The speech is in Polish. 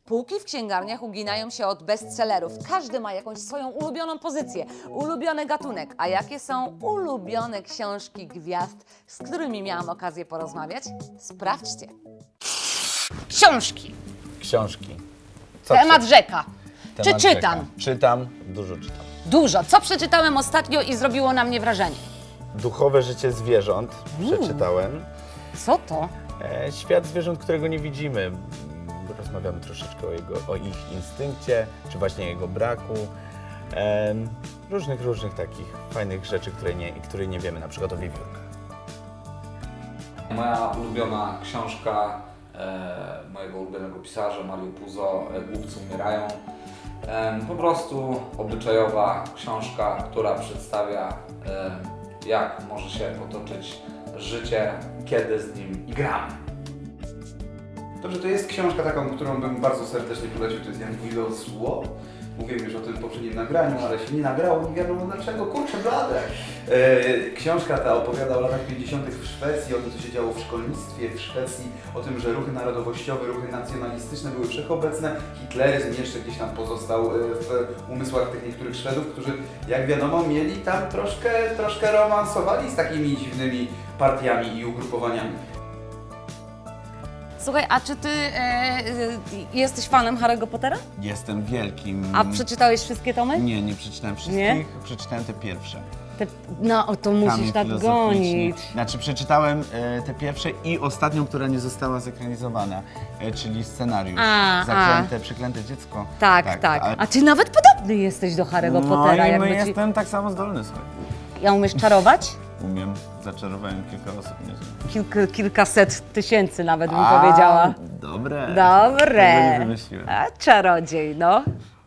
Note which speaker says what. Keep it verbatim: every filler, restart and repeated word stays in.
Speaker 1: Półki w księgarniach uginają się od bestsellerów. Każdy ma jakąś swoją ulubioną pozycję, ulubiony gatunek. A jakie są ulubione książki gwiazd, z którymi miałam okazję porozmawiać? Sprawdźcie. Książki.
Speaker 2: Książki. Co
Speaker 1: Temat
Speaker 2: czy-
Speaker 1: rzeka. Czy
Speaker 2: temat
Speaker 1: czytam?
Speaker 2: rzeka. Czytam, dużo czytam.
Speaker 1: Dużo. Co przeczytałem ostatnio i zrobiło na mnie wrażenie?
Speaker 2: Duchowe życie zwierząt przeczytałem.
Speaker 1: Co to?
Speaker 2: E, świat zwierząt, którego nie widzimy. Mm, Rozmawiamy troszeczkę o, jego, o ich instynkcie, czy właśnie jego braku. Em, różnych, różnych takich fajnych rzeczy, które nie, które nie wiemy, na przykład o wiewiórkach.
Speaker 3: Moja ulubiona książka e, mojego ulubionego pisarza Mario Puzo, e, Głupcy umierają. E, po prostu obyczajowa książka, która przedstawia e, jak może się potoczyć życie, kiedy z nim igramy.
Speaker 4: Dobrze, to jest książka taką, którą bym bardzo serdecznie polecił, to jest Jan Guido Zło. Mówiłem już o tym w poprzednim nagraniu, ale się nie nagrało, nie wiadomo dlaczego, kurczę blade. E, książka ta opowiada o latach pięćdziesiątych w Szwecji, o tym, co się działo w szkolnictwie w Szwecji, o tym, że ruchy narodowościowe, ruchy nacjonalistyczne były wszechobecne. Hitleryzm jeszcze gdzieś tam pozostał e, w umysłach tych niektórych Szwedów, którzy, jak wiadomo, mieli tam troszkę, troszkę romansowali z takimi dziwnymi partiami i ugrupowaniami.
Speaker 1: Słuchaj, a czy ty e, e, jesteś fanem Harry'ego Pottera?
Speaker 2: Jestem wielkim...
Speaker 1: A przeczytałeś wszystkie tomy?
Speaker 2: Nie, nie przeczytałem wszystkich,
Speaker 1: Nie?
Speaker 2: przeczytałem te pierwsze.
Speaker 1: Te, no, o, to musisz
Speaker 2: Kamień
Speaker 1: tak
Speaker 2: filozoficzny.
Speaker 1: gonić.
Speaker 2: Znaczy przeczytałem e, te pierwsze i ostatnią, która nie została zekranizowana, e, czyli scenariusz.
Speaker 1: A,
Speaker 2: Zaklęte, przeklęte dziecko.
Speaker 1: Tak, tak.
Speaker 2: ale-
Speaker 1: A ty nawet podobny jesteś do Harry'ego
Speaker 2: No
Speaker 1: Pottera.
Speaker 2: i
Speaker 1: jakby
Speaker 2: my
Speaker 1: ci...
Speaker 2: jestem tak samo zdolny, słuchaj.
Speaker 1: Ja umiesz czarować?
Speaker 2: Umiem, zaczarowałem kilka osób, nieźle.
Speaker 1: Kilk, kilkaset tysięcy nawet bym
Speaker 2: A,
Speaker 1: powiedziała.
Speaker 2: Dobre.
Speaker 1: Dobre.
Speaker 2: Tego nie wymyśliłem.
Speaker 1: A czarodziej, no.